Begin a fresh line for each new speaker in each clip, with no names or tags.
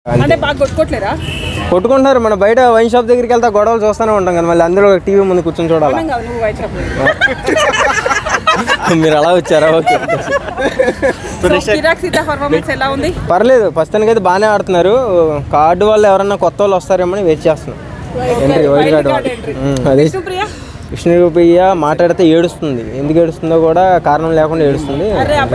అంటే బాగా కొట్టుకోవట్లేరా?
కొట్టుకుంటున్నారు. మన బయట వైన్ షాప్ దగ్గరికి వెళ్తా గొడవలు చూస్తూనే ఉంటాం కదా, మళ్ళీ అందులో టీవీ ముందు కూర్చొని చూడాలి.
నువ్వు వైన్ షాప్
మీరు అలా వచ్చారా? ఓకే.
పర్ఫార్మెన్స్ ఎలా ఉంది?
పర్లేదు, ప్రస్తుతానికి అయితే బాగానే ఆడుతున్నారు. కార్డు వాళ్ళు ఎవరన్నా కొత్త వాళ్ళు వస్తారేమో అని వెయిట్ చేస్తున్నాం. ఎంట్రీ వైల్డ్ కార్డు అది. విష్ణుప్రియ మాట్లాడితే ఏడుస్తుంది. ఎందుకు ఏడుస్తుందో కూడా కారణం లేకుండా ఏడుస్తుంది.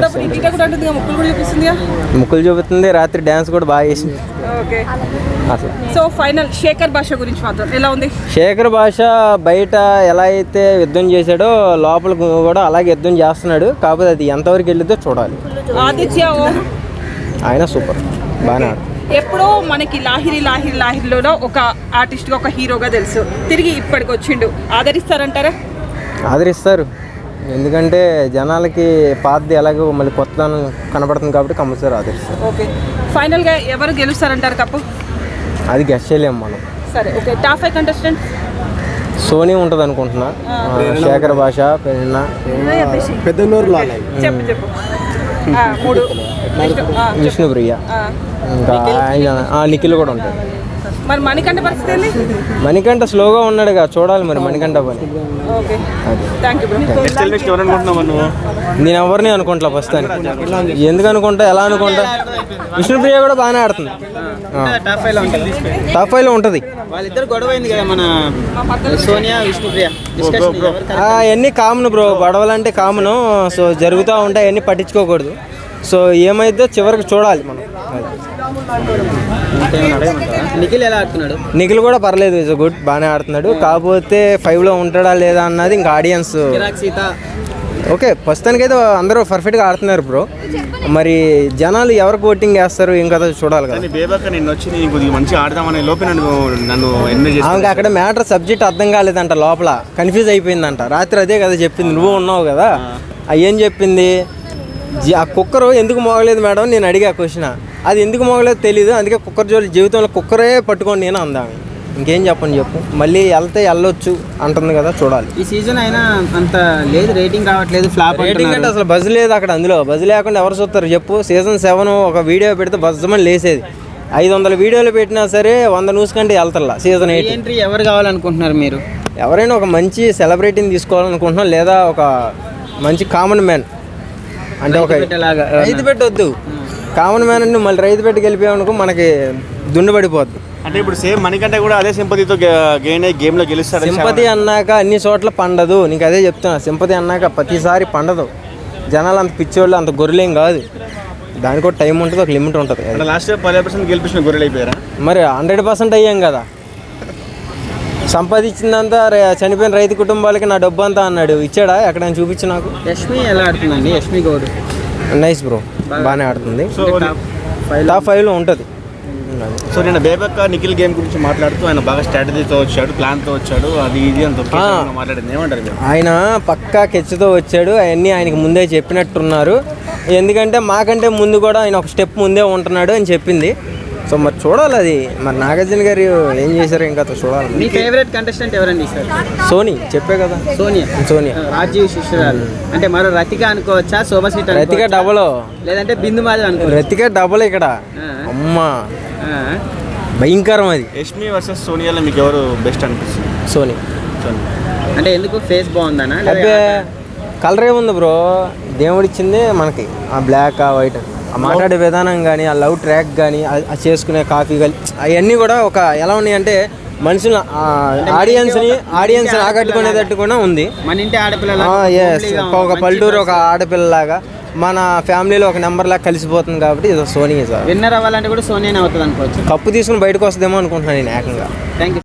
ముక్కులు చూపుతుంది. రాత్రి డ్యాన్స్ కూడా బాగా చేసింది.
సో ఫైనల్ శేఖర్ భాష గురించి మాత్రం ఎలా ఉంది?
శేఖర్ భాష బయట ఎలా అయితే యుద్ధం చేశాడో లోపల కూడా అలాగే యుద్ధం చేస్తున్నాడు. కాకపోతే అది ఎంతవరకు వెళ్ళిద్దో చూడాలి.
ఆదిత్య
ఆయన సూపర్, బాగానే ఆడు.
ఎప్పుడో మనకి లాహిరిలో ఒక ఆర్టిస్ట్గా ఒక హీరోగా తెలుసు, తిరిగి ఇప్పటికి వచ్చిండు. ఆదరిస్తారంటారా?
ఆదరిస్తారు. ఎందుకంటే జనాలకి పాతది ఎలాగో మళ్ళీ కొత్తదనం కనపడుతుంది కాబట్టి కంపల్సరీ ఆదరిస్తారు.
ఓకే. ఫైనల్గా ఎవరు గెలుస్తారంటారు కప్పు?
అది గెస్ చేయలేము మనం.
సరే, ఓకే. టాప్ 5 కంటెస్టెంట్
సోనీ ఉంటుంది అనుకుంటున్నా. శేఖర్ భాష, పెద్దనూరు
చెప్పు.
విష్ణుప్రియ, ఇంకా నిఖిల్ కూడా ఉంటాడు.
మరి మణికంఠ పరిస్థితి ఏంది?
మణికంఠ స్లోగా ఉన్నాడుగా, చూడాలి మరి మణికంఠ పని.
Okay, thank you.
నేను ఎవరిని అనుకుంటా ప్రస్తుతానికి. ఎందుకు అనుకుంటా, ఎలా అనుకుంటా? విష్ణుప్రియ కూడా బాగానే ఆడుతుంది. టాప్ 5 లో ఉంటుంది. అవన్నీ కామన్ బ్రో, గొడవలు అంటే కామన్. సో జరుగుతూ ఉంటాయి, అవన్నీ పట్టించుకోకూడదు. సో ఏమైతే చివరికి చూడాలి మనం.
నిఖిల్ ఎలా ఆడుతున్నాడు?
నిఖిల్ కూడా పర్లేదు, ఇస్ గుడ్, బాగానే ఆడుతున్నాడు. కాకపోతే 5 లో ఉంటాడా లేదా అన్నది ఇంకా ఆడియన్స్. ఓకే, ప్రస్తుతానికి అయితే అందరూ పర్ఫెక్ట్గా ఆడుతున్నారు బ్రో. మరి జనాలు ఎవరికి ఓటింగ్ వేస్తారు ఏం కదా చూడాలి కదా. ఆమెకి అక్కడ మ్యాటర్ సబ్జెక్ట్ అర్థం కాలేదంట, లోపల కన్ఫ్యూజ్ అయిపోయిందంట. రాత్రి అదే కదా చెప్పింది, నువ్వు ఉన్నావు కదా. ఏం చెప్పింది? ఆ కుక్కర్ ఎందుకు మోగలేదు మేడం నేను అడిగా క్వశ్చన్. అది ఎందుకు మోగలేదు తెలీదు, అందుకే కుక్కర్ జోలి జీవితంలో కుక్కరే పట్టుకోండి నేను అందాము. ఇంకేం చెప్పు. మళ్ళీ వెళ్తే వెళ్ళొచ్చు అంటుంది కదా, చూడాలి.
ఈ సీజన్ అయినా అంత లేదు, రేటింగ్ రావట్లేదు, ఫ్లాప్.
రేటింగ్ అంటే అసలు బజ్ లేదు అక్కడ. అందులో బజ్ లేకుండా ఎవరు చూస్తారు చెప్పు? సీజన్ 7 ఒక వీడియో పెడితే బజ్జమని లేసేది. 500 వీడియోలు పెట్టినా సరే 100 న్యూస్ కంటే వెళ్తారా. సీజన్ 8
ఎంట్రీ ఎవరు కావాలనుకుంటున్నారు మీరు?
ఎవరైనా ఒక మంచి సెలబ్రిటీని తీసుకోవాలనుకుంటున్నాం, లేదా ఒక మంచి కామన్ మ్యాన్. అంటే ఒక రైతు పెట్టొద్దు, కామన్ మ్యాన్ అంటే మళ్ళీ రైతు పెట్టి గెలిపామనుకో మనకి దుండు పడిపోద్ది.
అంటే ఇప్పుడు సేమ్ మణికంఠ కూడా అదే సింపతితో గేమ్లో గెలుస్తాడు.
సింపతి అన్నాక అన్ని చోట్ల పండదు. నీకు అదే చెప్తున్నా, సింపతి అన్నాక ప్రతిసారి పండదు. జనాలు అంత పిచ్చోళ్ళు, అంత గొర్రెలేం కాదు. దానికి కూడా టైం ఉంటుంది, ఒక లిమిట్ ఉంటుంది.
లాస్ట్ 10% గెలిపించిన గొర్రెలు అయిపోయారా?
మరి 100% అయ్యాం కదా. సంపాదించిందంతా చనిపోయిన రైతు కుటుంబాలకి నా డబ్బు అంతా అన్నాడు. ఇచ్చాడా? ఎక్కడైనా చూపించు నాకు.
యష్మి ఎలా ఆడుతుందండి? యష్మి గౌడ్
నైస్ బ్రో, బాగానే ఆడుతుంది. టాప్ 5 లో ఉంటుంది.
సో నేను బేబక్క నిఖిల్ గేమ్ గురించి మాట్లాడుతూ ఆయన బాగా స్ట్రాటజీతో వచ్చాడు, ప్లాన్తో వచ్చాడు, అది ఇది అంత మాట్లాడింది. ఏమంటారు?
ఆయన పక్కా కెచ్చుతో వచ్చాడు. అవన్నీ ఆయనకి ముందే చెప్పినట్టున్నారు. ఎందుకంటే మాకంటే ముందు కూడా ఆయన ఒక స్టెప్ ముందే ఉంటున్నాడు అని చెప్పింది. సో మరి చూడాలి అది. మరి నాగార్జున గారు ఏం చేశారు ఇంకా చూడాలి.
మీ ఫేవరెట్ కంటెస్టెంట్ ఎవరండి సార్?
సోనీ, చెప్పే కదా, సోనియా.
రాజీవ్ శిష్యురాలు అంటే మరో రతిక అనుకోవచ్చా? శోభసీట
రతిక డబల్,
లేదంటే బిందు మాధవ్ అనుకో.
రతిక డబల్ ఇక్కడ. అమ్మా భయంకరం అది.
యష్మి వర్సెస్ సోనియాలో మీకు ఎవరు బెస్ట్ అనిపిస్తుంది?
సోనీ.
అంటే ఎందుకు? ఫేస్ బాగుందనా?
అబ్బే కలర్ ఏముంది బ్రో, దేవుడిచ్చింది మనకి. ఆ బ్లాక్, ఆ వైట్, ఆ మాట్లాడే విధానం కానీ, ఆ లవ్ ట్రాక్ కానీ, ఆ చేసుకునే కాఫీ కానీ, అవన్నీ కూడా ఒక ఎలా ఉన్నాయంటే మనుషులు ఆడియన్స్ ఆకట్టుకునేటట్టు కూడా ఉంది.
మన ఇంటి ఆడపిల్ల,
ఒక పల్లెటూరు ఒక ఆడపిల్లలాగా మన ఫ్యామిలీలో ఒక నెంబర్ లాగా కలిసిపోతుంది. కాబట్టి ఇది సోనీ సార్.
విన్నర్ అవ్వాలంటే కూడా సోనీనే అవుతుంది అనుకోవచ్చు.
కప్పు తీసుకుని బయటకు వస్తుందేమో అనుకుంటున్నాను నేను ఏకంగా.
Thank you.